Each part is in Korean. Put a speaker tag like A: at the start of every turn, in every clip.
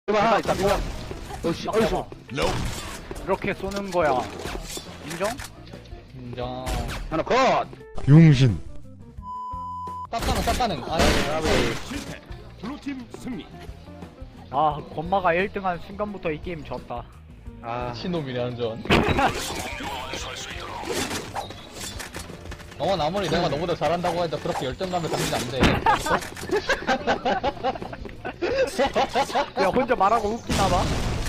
A: 하나 있다. 이거. 어이씨, 어이씨.
B: 이렇게 쏘는 거야. 인정?
C: 인정.
A: 하나 컷.
D: 용신.
C: 쌉가능. 아니,
E: 블루팀 승리.
B: 아, 건마가 1등한 순간부터 이 게임 졌다.
A: 아,
C: 신놈이네, 완전. 아무리 내가 너보다 잘한다고 해도 그렇게 열정감을 가지면 안 돼.
B: 야, 혼자 말하고 웃기나봐?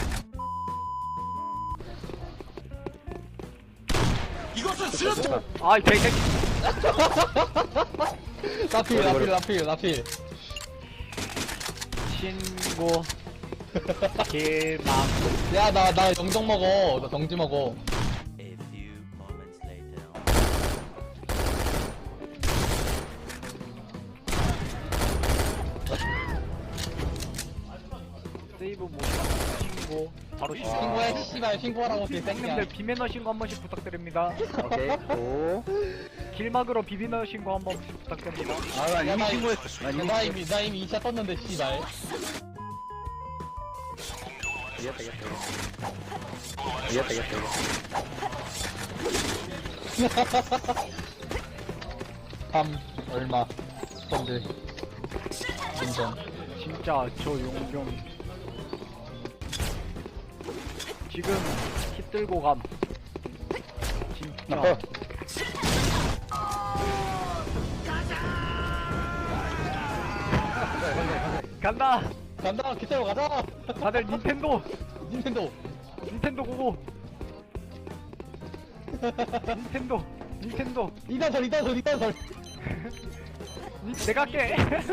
E: 이것은 수류탄.
B: 아, 이 개새끼.
C: 라필.
B: 신고. 길막.
C: 야, 나 영정 먹어. 나 정지 먹어.
F: A few moments later.
B: 세이브 모드. 신고. 바로 신고.
C: 신고해, 씨발. 신고하라고, 개새끼야.
B: 형님들 비매너 신고 한 번씩 부탁드립니다.
A: 오케이. 오.
B: 길막으로 비비너 신고 한 번씩 부탁드립니다.
A: 아, 나
C: 야,
A: 이미
C: 나
A: 신고했어.
C: 나 이미 2차 떴는데, 씨발.
A: 이겼다. 이겼다.
C: 얼마. 펀드. 인정.
B: 진짜 저 용병. 지금 힙 들고 감. 진짜.
A: 컷.
B: 간다.
C: 간다, 기타로 가자!
B: 다들 닌텐도.
C: 닌텐도.
B: 고고. 닌텐도.
C: 이단설.
B: 내가 할게.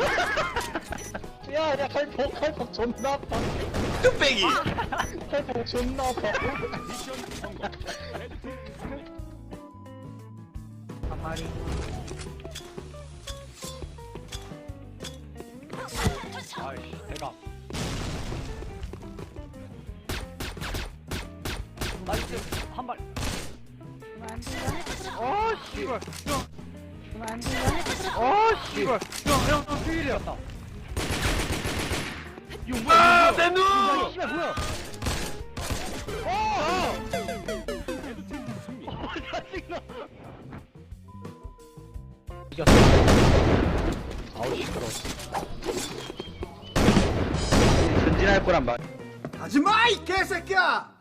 C: 야, 칼폭 존나 아파.
E: 뚝배기.
C: 칼폭 존나 아파.
E: 미션 성공. 레드팀 승리.
B: 한 마리. 아이씨, 대박. 나이스, 한 발. 씨발. 씨발. 형, 필이었다. 이거 뭐야?
E: 내 눈.
B: 씨발, 뭐야?
E: 레드팀 승리.
B: 이겼어. 아우, 시끄러워.
A: 전진할 거란 말.
E: 하지마 이 개새끼야.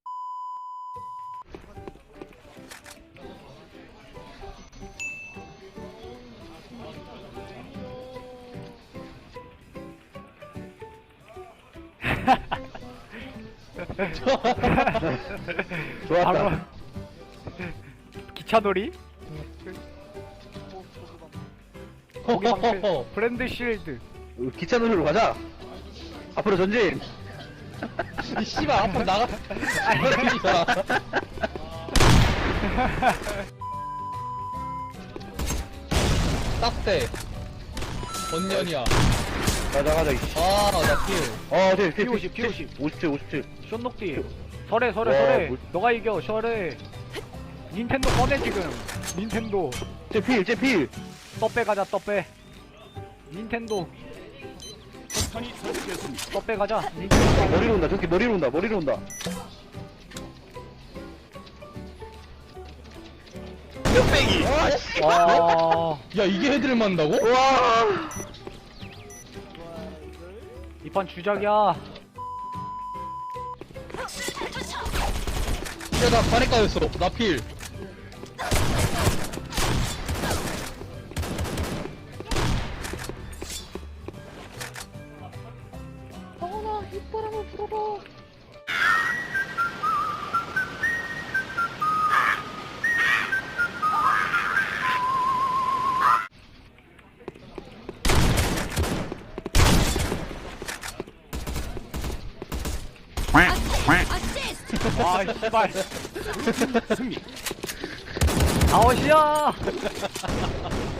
A: 좋았다.
B: 바로 기차놀이? 고기 방패, 브랜드 실드.
A: 기차 놀이로 가자. 앞으로 전진.
C: 이 씨발, 앞으로 나가. 딱대. 번년이야.
A: 가자.
C: 나 킬.
A: 네.
B: P50, P50.
A: 57.
B: 쇼녹디. 설해.
A: 뭘-
B: 너가 이겨, 설해. 닌텐도 꺼내, 지금. 닌텐도.
A: 필.
B: 떡배 가자, 떡배. 닌텐도.
E: 폭탄이 설치됐습니다.
B: 떡배 가자. 닌텐도.
A: 머리로 온다. 저기 머리로 온다.
E: 뚝배기.
B: 와.
C: 야, 이게 헤드를 맞는다고?
A: 와.
B: 이 판 주작이야.
C: 야, 나 반에 까였어. 나 필.
B: 와, 씨발.
E: 승리.
B: 아웃이야.